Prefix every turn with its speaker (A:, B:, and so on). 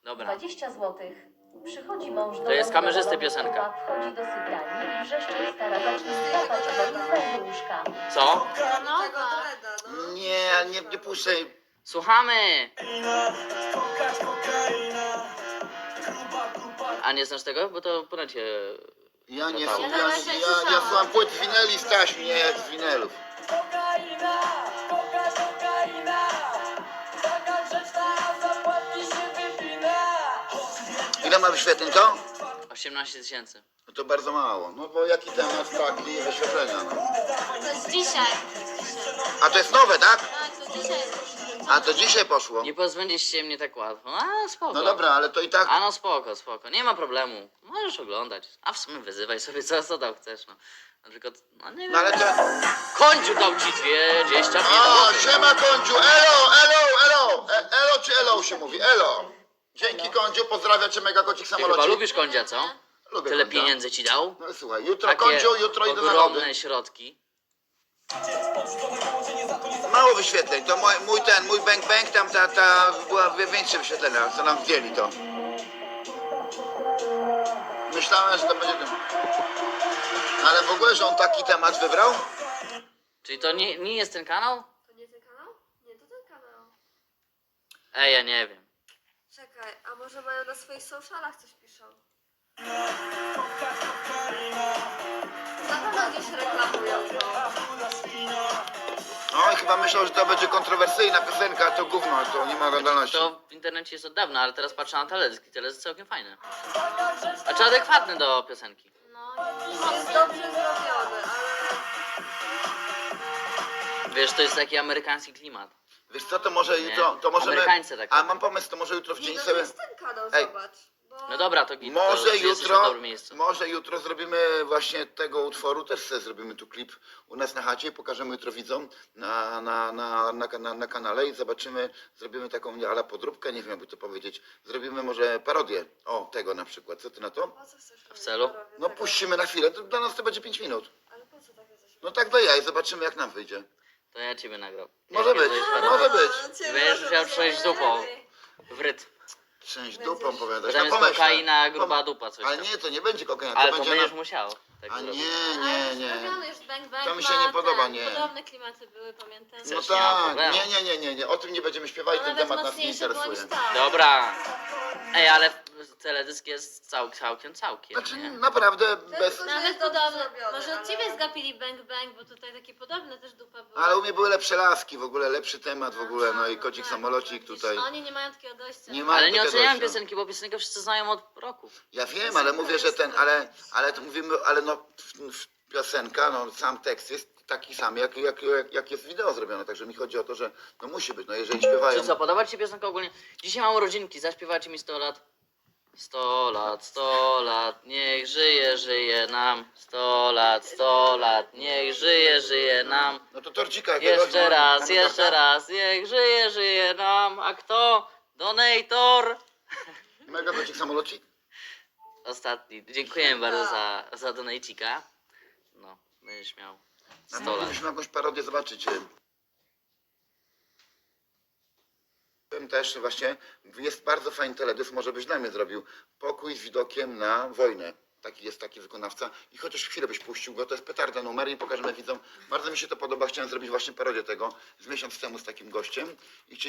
A: Dobra.
B: 20 złotych. Przychodzi mąż do
A: To jest
B: domu,
A: kamerzysty
B: nowy
A: piosenka.
B: chłopak wchodzi do sypialni i wrzeszczy stara zacznij wstawać, bo nie znajdzie łóżka.
A: Co?
C: Nie puszczaj.
A: Słuchamy! A nie znasz tego? Bo to po necie...
C: Ja nie
A: Ja
C: słucham,
A: nawet
C: ja słucham płyt z wineli z taśm, nie z winelów. Ile ma wyświetleń to?
A: 18 000.
C: No to bardzo mało. No bo jaki temat, taki wyświetlenia, no.
D: To jest dzisiaj.
C: A to jest nowe, tak?
D: Tak, to dzisiaj.
C: A to dzisiaj poszło.
A: Nie pozbędziesz się mnie tak łatwo. A, spoko.
C: No dobra, ale to i tak...
A: A no spoko, spoko. Nie ma problemu. Możesz oglądać. A w sumie wyzywaj sobie co tam chcesz, no. Na przykład, no nie wiem.
C: No ale to...
A: Kądziu dał ci 25
C: O, siema Kądziu, elo! Elo czy elo się mówi, elo. Dzięki Kądziu, pozdrawiam cię mega kocik
A: Ty chyba
C: samolocik.
A: lubisz kądzia, co?
C: Lubię
A: Tyle
C: Kądzia.
A: pieniędzy ci dał?
C: No słuchaj, jutro
A: Takie
C: Kądziu, jutro idę na lody.
A: ogromne środki.
C: Mało wyświetleń, to mój bang bang, tam była większe wyświetlenia, co nam wzięli to. Myślałem, że to będzie tym. Ale w ogóle, że on taki temat wybrał?
A: Czyli to nie jest ten kanał?
D: To nie ten kanał? Nie, to ten kanał.
A: Ej, ja nie wiem.
D: Czekaj, a może mają na swoich socialach coś piszą? Na pewno gdzieś reklamują to.
C: No i chyba myślał, że to będzie kontrowersyjna piosenka, a to gówno, to nie ma oglądalności.
A: To w internecie jest od dawna, ale teraz patrzę na teledyski. Teledysk całkiem fajny. Znaczy adekwatny do piosenki.
D: No, jest dobrze zrobiony, ale...
A: Wiesz, to jest taki amerykański klimat.
C: Wiesz co, to może
A: Nie.
C: jutro, to możemy...
A: Amerykańcy takie.
C: A mam pomysł, to może jutro w
D: Nie,
C: dzień
D: no to
C: sobie...
D: jest ten kanał,
C: Ej.
D: zobacz. Bo...
A: No dobra, to git.
C: Może
A: to jesteś na
C: jutro,
A: dobrym miejscu.
C: może jutro zrobimy właśnie tego utworu, też sobie zrobimy tu klip u nas na chacie i pokażemy jutro widzom na kanale i zobaczymy, zrobimy taką ala podróbkę, nie wiem jakby to powiedzieć, zrobimy może parodię, o tego na przykład, co ty na to?
D: Po co chcesz
A: W celu?
D: robić
C: No
D: tego?
C: puścimy na chwilę, to dla nas to będzie 5 minut.
D: Ale po co takie coś?
C: No tak do ja i zobaczymy jak nam wyjdzie.
A: To ja ciebie nagram.
C: Może
A: Jak
C: być,
A: kiedyś
C: może być.
A: Będziesz musiał przejść dupą. W rytm.
C: Część dupą powiadasz.
A: Tam jest
C: pomyśl,
A: kokaina, gruba dupa, coś
C: Ale
A: tam.
C: nie, to nie będzie kokaina,
A: Ale
C: to
A: to
C: będzie
A: będziesz
C: na...
A: musiał. Tak
C: A
A: zrobić.
C: nie.
D: Zrobiony już Bang Bang
C: To mi się
D: ma
C: nie podoba,
D: ten,
C: nie.
D: Podobne klimaty były, pamiętam.
C: No
A: Chcesz, nie ma
C: tak,
A: problemu.
C: nie, o tym nie będziemy śpiewali,
D: No
C: ten
D: nawet
C: temat nas nie
D: mocniejsze bądź
C: interesuje.
D: tak.
A: Dobra. Ej, ale teledysk jest całkiem,
C: Znaczy
A: nie?
C: naprawdę bez...
D: Nawet
E: dobrze
D: podobne.
E: zrobione,
D: Może od
E: ale-
D: ciebie zgapili Bang Bang, bo tutaj takie podobne też dupa były.
C: Ale u mnie były lepsze laski, w ogóle lepszy temat w ogóle, no i kocik
D: tak,
C: samolocik
D: widzisz,
C: tutaj.
D: Oni nie mają takiego dojścia.
C: Nie ma
A: Ale nie
C: takiego
A: oceniałem
C: dojścia.
A: piosenki, bo piosenkę wszyscy znają od roku.
C: Ja wiem, ale mówię, że ten, ale to mówimy, ale no piosenka, no sam tekst jest taki sam, jak jest wideo zrobione, także mi chodzi o to, że no musi być, no jeżeli śpiewają.
A: Czy co, podoba ci się piosenka ogólnie? Dzisiaj mam urodzinki, zaśpiewajcie mi 100 lat. 100 lat, niech żyje nam. 100 lat, niech żyje nam.
C: No to torcika jakiegoś.
A: Jeszcze raz,
C: no,
A: jeszcze raz, niech żyje nam. A kto? Donator.
C: Mega kocik samolocik.
A: Ostatni. Dziękujemy bardzo za donajcika. No, będziesz miał 100 lat.
C: Musimy jakąś parodię zobaczyć. Też właśnie jest bardzo fajny teledysk, może byś dla mnie zrobił. Pokój z widokiem na wojnę. Taki wykonawca. I chociaż chwilę byś puścił go, to jest petarda numer i pokażemy widzom. Bardzo mi się to podoba, chciałem zrobić właśnie parodię tego z miesiąc temu z takim gościem. I